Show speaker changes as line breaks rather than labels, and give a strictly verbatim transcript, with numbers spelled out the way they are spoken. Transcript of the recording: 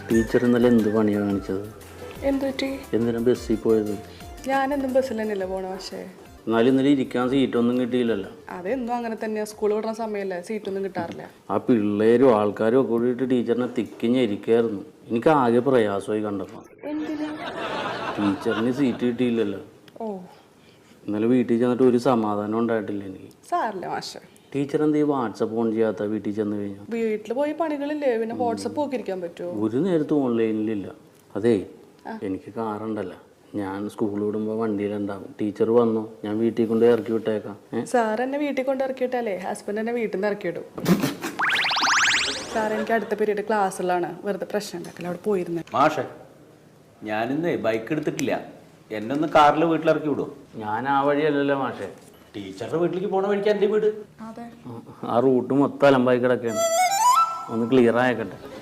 Teacher ഇന്നലെ എന്ത് പണിയാണ് കാണിച്ചത്?
എന്ത് പറ്റി?
എന്തിനാ ബസ്സിൽ പോയത്?
ഞാനെന്തും ബസ്സിൽ തന്നെയല്ലേ പോണ. പക്ഷേ
എന്നാലും ഇന്നലെ ഇരിക്കാൻ സീറ്റൊന്നും കിട്ടിയില്ലല്ലോ.
അതെന്നും അങ്ങനെ തന്നെയാ. സ്കൂൾ വിടുന്ന സമയമല്ലേ, സീറ്റൊന്നും കിട്ടാറില്ല.
ആ പിള്ളേരും ആൾക്കാരും ഒക്കെ കൂടിയിട്ട് ടീച്ചറിനെ തിക്കിഞ്ഞിരിക്കായിരുന്നു. എനിക്ക് ആകെ പ്രയാസമായി കണ്ടപ്പോൾ.
എന്തിനാ?
ടീച്ചറിന് സീറ്റ് കിട്ടിയില്ലല്ലോ.
ഓ,
ഇന്നലെ വീട്ടിൽ ചെന്നിട്ട് ഒരു സമാധാനം ഉണ്ടായിട്ടില്ല എനിക്ക്.
സാറില്ല മാഷെ.
ടീച്ചർ എന്ത് ചെയ്യും വാട്സപ്പ് ഓൺ ചെയ്യാത്ത വീട്ടിൽ ചെന്ന് കഴിഞ്ഞാൽ?
വീട്ടിൽ പോയി പണികളില്ലേ, പിന്നെ വാട്സപ്പ് ഒക്കെ ഇരിക്കാൻ പറ്റുമോ?
ഒരു നേരത്ത് ഓൺലൈനിലില്ല. അതേ, എനിക്ക് കാറുണ്ടല്ലോ, ഞാൻ സ്കൂൾ വിടുമ്പോൾ വണ്ടിയിലുണ്ടാവും. ടീച്ചർ വന്നു, ഞാൻ വീട്ടിൽ കൊണ്ട് ഇറക്കി വിട്ടേക്കാം.
സാർ എന്നെ വീട്ടിൽ കൊണ്ട് ഇറക്കിയിട്ടല്ലേ ഹസ്ബൻഡ് എന്നെ വീട്ടിൽ നിന്ന് ഇറക്കിയിടും. സാർ എനിക്ക് അടുത്ത പീരീഡ് ക്ലാസ്സിലാണ്, വെറുതെ പ്രശ്നം ഉണ്ടാക്കില്ല. അവിടെ പോയിരുന്നേ.
മാഷെ, ഞാനിന്ന് ബൈക്ക് എടുത്തിട്ടില്ല, എന്നെ ഒന്ന് കാറിൽ വീട്ടിലിറക്കി വിടും.
ഞാൻ ആ വഴിയല്ലല്ലോ മാഷേ.
ടീച്ചറുടെ വീട്ടിലേക്ക് പോണ വഴിക്ക് എൻ്റെ വീട്.
അതെ,
ആ റൂട്ട് മൊത്തം അലമ്പായി കിടക്കുകയാണ്. ഒന്ന് ക്ലിയർ ആയേക്കട്ടെ.